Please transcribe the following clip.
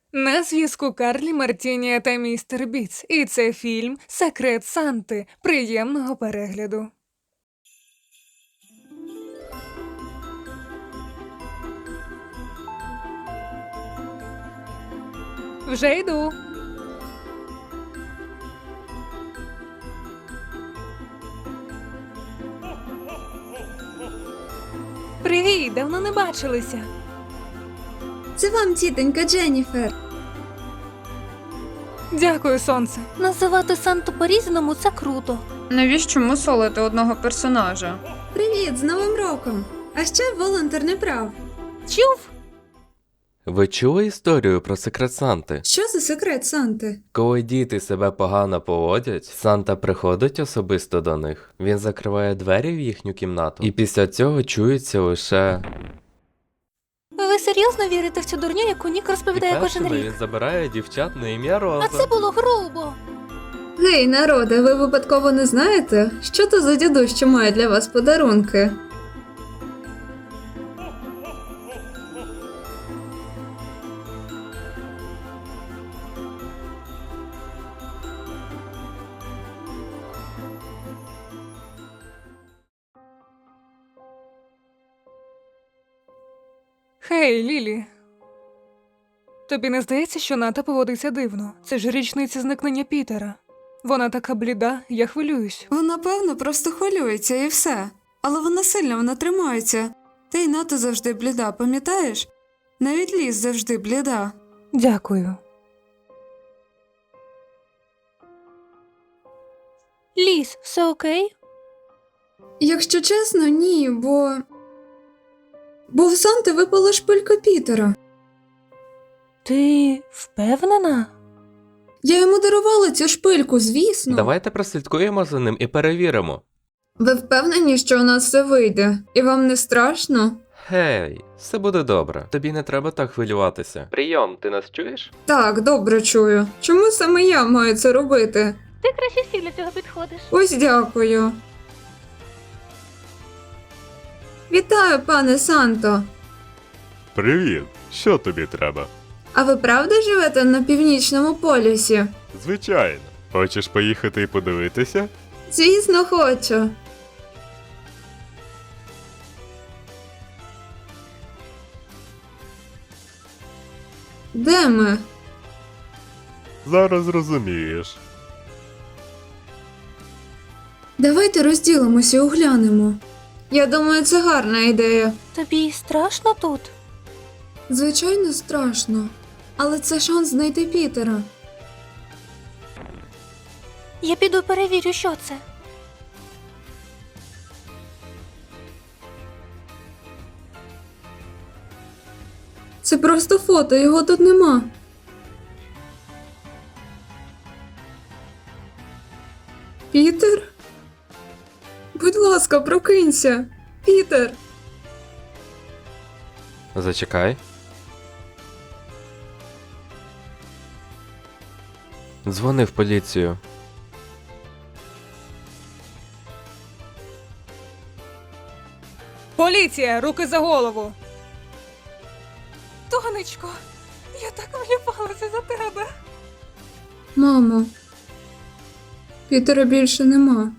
На зв'язку Карлі Мартінія та містер Біц. І це фільм «Секрет Санти». Приємного перегляду. Вже йду. Привіт, давно не бачилися. Це вам, тітонька Дженніфер. Дякую, сонце. Називати Санту по-різному – це круто. Навіщо мусолити одного персонажа? Привіт, з Новим роком! А ще волонтер не прав. Чув? Ви чули історію про секрет Санти? Що за секрет Санти? Коли діти себе погано поводять, Санта приходить особисто до них. Він закриває двері в їхню кімнату, і після цього чується лише... Ви серйозно вірите в цю дурню, яку Нік розповідає кожен першими рік? він забирає дівчат на ім'я Роза. А це було грубо. Гей, народе, ви випадково не знаєте, що то за дідусь, що має для вас подарунки? Хей, Лілі. Тобі не здається, що Ната поводиться дивно? Це ж річниця зникнення Пітера. Вона така бліда, я хвилююсь. Вона, певно, просто хвилюється і все. Але вона тримається. Та й Ната завжди бліда, пам'ятаєш? Навіть Ліз завжди бліда. Дякую. Ліз, все окей? Якщо чесно, ні, бо в Санти випала шпилька Пітера. Ти впевнена? Я йому дарувала цю шпильку, звісно. Давайте прослідкуємо за ним і перевіримо. Ви впевнені, що у нас все вийде? І вам не страшно? Гей, все буде добре. Тобі не треба так хвилюватися. Прийом, ти нас чуєш? Так, добре чую. Чому саме я маю це робити? Ти краще всі для цього підходиш. Ось дякую. Вітаю, пане Санто. Привіт! Що тобі треба? А ви правда живете на північному полюсі? Звичайно. Хочеш поїхати і подивитися? Звісно, хочу. Де ми? Зараз зрозумієш. Давайте розділимося і оглянемо. Я думаю, це гарна ідея. Тобі страшно тут? Звичайно, страшно. Але це шанс знайти Пітера. Я піду перевірю, що це. Це просто фото, його тут нема. Пітер? Будь ласка, прокинься. Пітер! Зачекай. Дзвони в поліцію. Поліція, руки за голову. Тонечко, я так хвилювалася за тебе. Мамо. Пітера більше нема.